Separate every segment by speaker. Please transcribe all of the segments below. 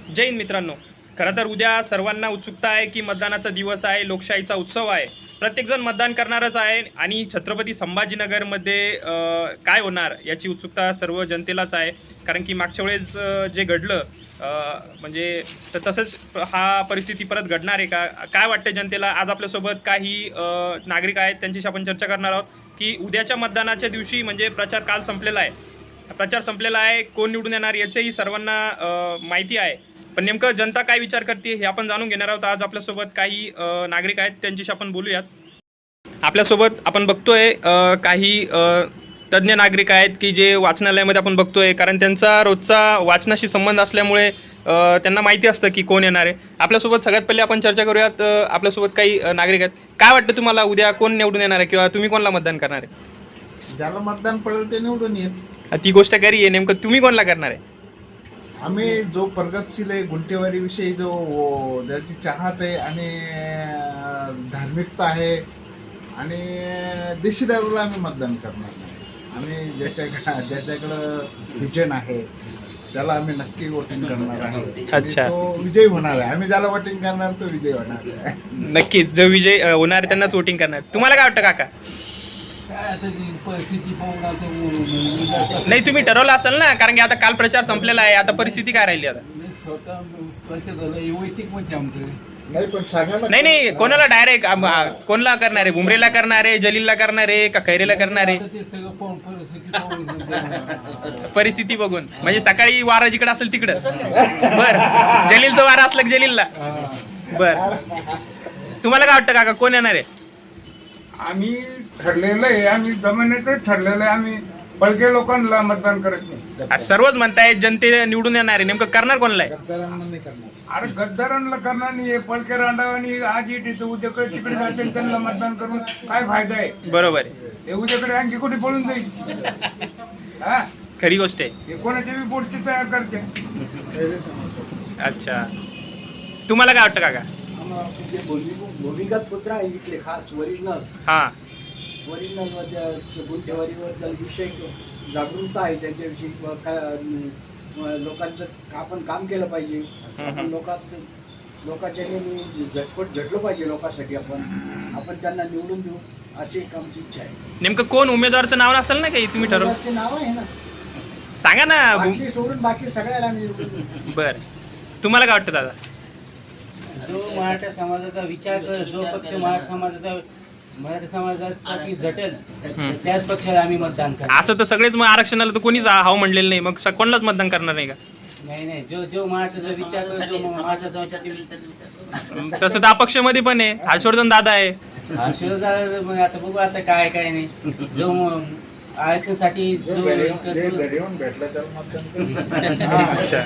Speaker 1: जय हिंद मित्रांनो. खरं तर उद्या सर्वांना उत्सुकता आहे की मतदानाचा दिवस आहे, लोकशाहीचा उत्सव आहे. प्रत्येकजण मतदान करणारच आहे आणि छत्रपती संभाजीनगरमध्ये काय होणार याची उत्सुकता सर्व जनतेलाच आहे. कारण की मागच्या वेळेस जे घडलं म्हणजे तसंच हा परिस्थिती परत घडणार आहे का, काय वाटतं जनतेला? आज आपल्यासोबत काही नागरिक आहेत, त्यांच्याशी आपण चर्चा करणार आहोत की उद्याच्या मतदानाच्या दिवशी म्हणजे प्रचार काल संपलेला आहे, प्रचार संपलेला आहे, कोण निवडून येणार याचीही सर्वांना माहिती आहे. पण नेमकं जनता काय विचार करते हे आपण जाणून घेणार आहोत. आज आपल्यासोबत काही नागरिक आहेत, त्यांच्याशी आपण बोलूयात. आपल्यासोबत आपण बघतोय काही तज्ज्ञ नागरिक आहेत की जे वाचनालयामध्ये आपण बघतोय, कारण त्यांचा रोजचा वाचनाशी संबंध असल्यामुळे त्यांना माहिती असतं की कोण येणार आहे. आपल्यासोबत सगळ्यात पहिले आपण चर्चा करूयात. आपल्यासोबत काही नागरिक आहेत. काय वाटतं तुम्हाला, उद्या कोण निवडून येणार आहे किंवा तुम्ही कोणाला मतदान करणार आहे?
Speaker 2: ज्याला मतदान पडेल ते निवडून येत.
Speaker 1: ती गोष्ट खरी आहे. नेमकं तुम्ही कोणाला करणार आहे?
Speaker 2: आम्ही जो प्रगतशील आहे, गुंठेवारीविषयी जो ज्याची चाहत आहे आणि धार्मिकता आहे आणि देशीदारूला आम्ही मतदान करणार नाही. आम्ही ज्याच्याकडं विजन आहे त्याला आम्ही नक्की वोटिंग करणार आहे.
Speaker 1: अच्छा.
Speaker 2: तो विजयी होणार आहे. आम्ही ज्याला वोटिंग करणार तो विजयी होणार आहे.
Speaker 1: नक्कीच, जो विजय होणार आहे त्यांनाच वोटिंग करणार. तुम्हाला काय वाटतं काका? नाही, तुम्ही ठरवलं असेल ना, कारण की आता काल प्रचार संपलेला आहे, आता परिस्थिती काय राहिली आता?
Speaker 2: नाही पण सांगा ना.
Speaker 1: नाही, कोणाला डायरेक्ट कोणाला करणार आहे? भुमरेला करणार आहे, जलीलला करणार आहे का खैरेला करणार आहे? परिस्थिती बघून म्हणजे सकाळी वारा जिकडे असेल तिकडं. बर, जलीलचं वारा असलं की जलीलला. बर, तुम्हाला काय वाटतं काका, कोण येणार आहे?
Speaker 3: आम्ही ठरलेलं आहे, आम्ही जमिनीतच ठरलेलं आहे. आम्ही बळगे लोकांना मतदान करत नाही.
Speaker 1: सर्वच म्हणताय जनते निवडून येणार आहे, नेमकं करणार कोणाला आहे?
Speaker 2: गद्दारांना नाही करणार.
Speaker 3: अरे गद्दारांना करणार नाही. पळके रांडावानी आज इथे उद्याकडे तिकडे जाते, त्यांना मतदान करून काय फायदा आहे?
Speaker 1: बरोबर आहे,
Speaker 3: हे उद्याकडे आणखी कुठे पळून जाईल? हा,
Speaker 1: खरी गोष्ट आहे.
Speaker 3: हे कोणाच्या बी पोटची तयार करते.
Speaker 1: अच्छा, तुम्हाला काय वाटतं काका?
Speaker 4: जे भूमिगत पुत्र आहे इथले खास ओरिजिनल
Speaker 1: हा,
Speaker 4: गुंठेवारीवर विषय जागरूकता आहे त्यांच्याविषयी. लोकांचं आपण काम केलं पाहिजे. आपण लोकांच्या झटलो पाहिजे लोकांसाठी. आपण त्यांना निवडून देऊ अशी एक आमची इच्छा आहे.
Speaker 1: नेमकं कोण उमेदवाराचं नाव असेल ना, काही तुम्ही ठरवलं?
Speaker 4: उमेदवाराचे नाव आहे ना,
Speaker 1: सांगा ना.
Speaker 4: बाकी सोडून बाकी सगळ्याला आम्ही निवडून देऊ.
Speaker 1: बर, तुम्हाला काय वाटतं दादा?
Speaker 5: जो मराठा समाजाचा विचार कर, जो पक्ष मराठा समाजासाठी झटेल त्याच पक्षाला आम्ही मतदान करणार.
Speaker 1: असं तर सगळेच मग आरक्षणाला तर कोणीच हाव म्हणलेलं नाही, मग कोणालाच मतदान करणार नाही का?
Speaker 5: नाही, जो मराठाचा विचार कर, जो मराठा समाजासाठी.
Speaker 1: तसं तर अपक्षमध्ये पण आहे, हर्षवर्धन दादा आहे.
Speaker 5: मग आता बघू आता काय नाही. जो आरक्षणासाठी
Speaker 2: घरी येऊन भेटलं तर मतदान
Speaker 1: अच्छा,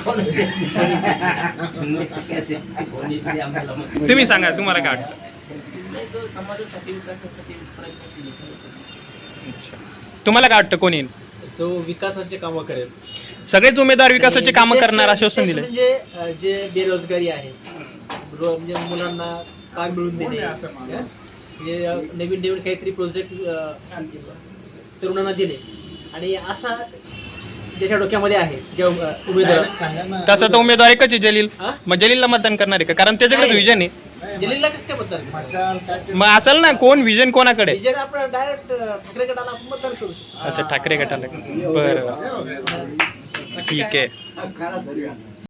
Speaker 1: तुम्ही सांगा, तुम्हाला काय वाटतं?
Speaker 6: समाजासाठी विकासासाठी प्रयत्नशील आहे.
Speaker 1: अच्छा, तुम्हाला काय वाटतं कोण येईल?
Speaker 7: जो विकासाचे कामं करेल.
Speaker 1: सगळेच उमेदवार विकासाचे कामं करणार आश्वासन दिले.
Speaker 7: म्हणजे जे बेरोजगारी आहे, म्हणजे मुलांना काम मिळवून देणे, म्हणजे नवीन काहीतरी प्रोजेक्ट तरुणांना दिले, आणि असा ज्याच्या डोक्यामध्ये आहे जे उमेदवार.
Speaker 1: तसं तर उमेदवार एकच आहे, जलील. मग जलीलला मतदान करणार आहे का? कारण त्याच्याकडे विजन आहे.
Speaker 7: जलीलला कसं काय मतदान?
Speaker 1: मग असेल ना कोण विजन, कोणाकडे?
Speaker 7: विजय आपण डायरेक्ट ठाकरे गटाला आपण मतदान करू शकतो.
Speaker 1: अच्छा, ठाकरे गटाला. बरं, ठीक आहे.